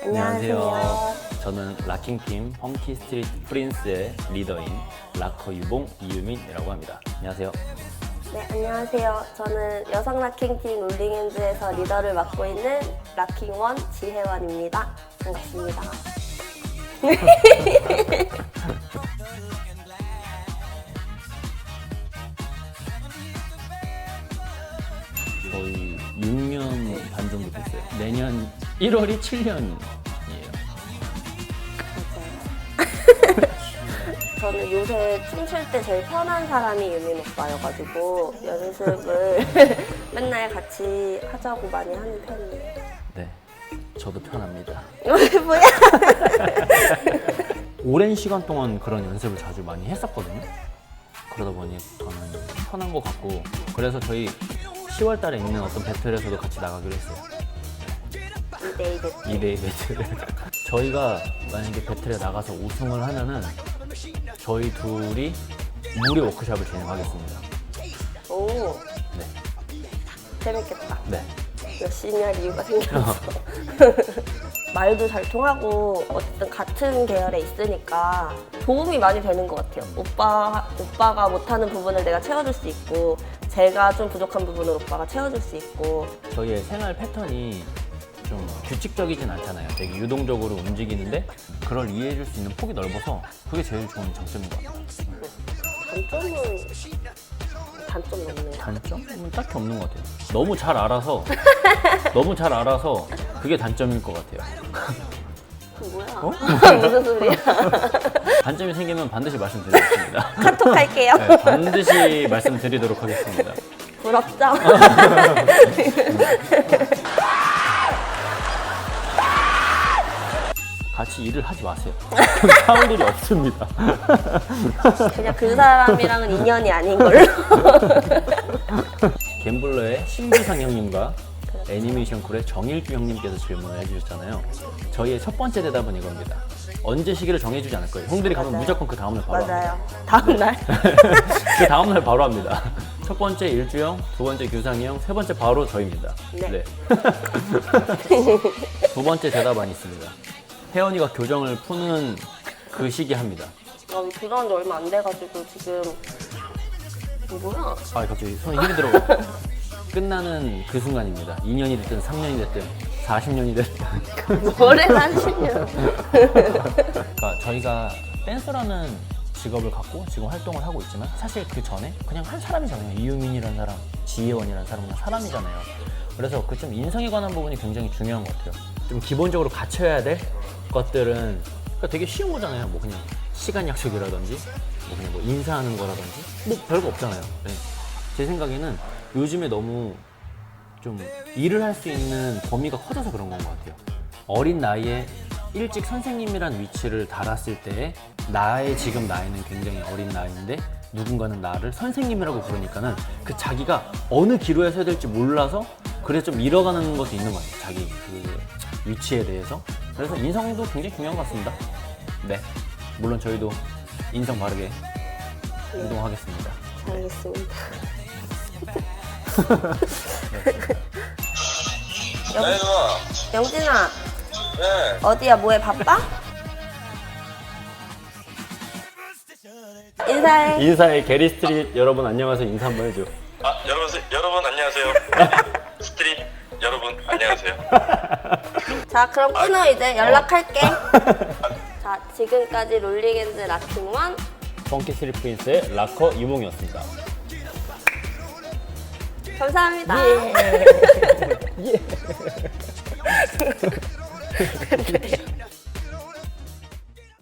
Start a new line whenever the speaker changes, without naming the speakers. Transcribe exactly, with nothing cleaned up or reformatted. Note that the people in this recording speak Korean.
안녕하세요. 저는 락킹팀 펑키 스트리트 프린스의 리더인 락커 유봉 이유민이라고 합니다. 안녕하세요.
네, 안녕하세요. 저는 여성 락킹팀 롤링핸즈에서 리더를 맡고 있는 락킹원 지혜원입니다. 반갑습니다.
거의 육 년 반 정도 됐어요. 내년 일월이 칠 년이에요.
저는 요새 춤출 때 제일 편한 사람이 유민 오빠여가지고 연습을 맨날 같이 하자고 많이 하는 편이에요.
네, 저도 편합니다.
뭐야?
오랜 시간 동안 그런 연습을 자주 많이 했었거든요. 그러다 보니 저는 편한 것 같고, 그래서 저희 시월 달에 있는 어떤 배틀에서도 같이 나가기로 했어요.
이 대이 배틀.
이 대이 배틀. 저희가 만약에 배틀에 나가서 우승을 하면은 저희 둘이 무료 워크숍을 진행하겠습니다.
오,
네.
재밌겠다.
네.
열심히 할 이유가 생겼어. 말도 잘 통하고 어쨌든 같은 계열에 있으니까 도움이 많이 되는 것 같아요. 오빠, 오빠가 못하는 부분을 내가 채워줄 수 있고 제가 좀 부족한 부분을 오빠가 채워줄 수 있고.
저희의 생활 패턴이 좀 규칙적이진 않잖아요. 되게 유동적으로 움직이는데 그걸 이해해줄 수 있는 폭이 넓어서 그게 제일 좋은 장점인 것 같아요.
단점은 단점이 없네요.
단점은 딱히 없는 것 같아요. 너무 잘 알아서 너무 잘 알아서 그게 단점일 것 같아요.
뭐야?
어?
무슨 소리야?
단점이 생기면 반드시 말씀드리겠습니다.
카톡 할게요.
네, 반드시 말씀드리도록 하겠습니다.
부럽죠?
같이 일을 하지 마세요. 사올 일이 없습니다.
그냥 그 사람이랑은 인연이 아닌 걸로.
갬블러의 신비상 형님과 애니메이션 쿨의 정일주 형님께서 질문을 해주셨잖아요. 저희의 첫 번째 대답은 이겁니다. 언제 시기를 정해주지 않을 거예요. 형들이 가면
맞아요.
무조건 그 다음날 바로
맞아요.
합니다.
다음날?
그 다음날 바로 합니다. 첫 번째 일주 형, 두 번째 규상이 형, 세 번째 바로 저입니다.
네.
두 번째 대답안 있습니다. 혜원이가 교정을 푸는 그 시기 합니다.
아, 들어온 지 얼마 안 돼가지고 지금 뭐야?
아, 갑자기 손에 힘이 들어가. 끝나는 그 순간입니다. 이 년이 됐든 삼 년이 됐든 사십 년이 됐든.
뭐래 삼십 년.
그러니까 저희가 댄서라는 직업을 갖고 지금 활동을 하고 있지만 사실 그 전에 그냥 한 사람이잖아요. 이유민이라는 사람, 지혜원이라는 사람 그냥 사람이잖아요. 그래서 그 좀 인성에 관한 부분이 굉장히 중요한 것 같아요. 좀 기본적으로 갖춰야 될 것들은 그러니까 되게 쉬운 거잖아요. 뭐 그냥 시간 약속이라든지 뭐 그냥 뭐 인사하는 거라든지 뭐 별거 없잖아요. 네. 제 생각에는 요즘에 너무 좀 일을 할 수 있는 범위가 커져서 그런 건 것 같아요. 어린 나이에 일찍 선생님이란 위치를 달았을 때 나의 지금 나이는 굉장히 어린 나이인데 누군가는 나를 선생님이라고 부르니까는 그 자기가 어느 기로에 서야 될지 몰라서 그래서 좀 잃어가는 것도 있는 것 같아요. 자기 그 위치에 대해서. 그래서 인성도 굉장히 중요한 것 같습니다. 네, 물론 저희도 인성 바르게 행동하겠습니다.
알겠습니다.
네, 누나.
영진아,
네.
어디야? 뭐해? 바빠? 인사해.
인사의 게리 스트릿 여러분 안녕하세요. 인사 한번 해줘.
아, 여러분, 여러분 안녕하세요. 스트릿 여러분 안녕하세요.
자, 그럼 끊어 이제 연락할게. 자, 지금까지 롤링핸즈 락킹원
펑키 스트리트 프린스의 락커 유몽이었습니다.
감사합니다.
예.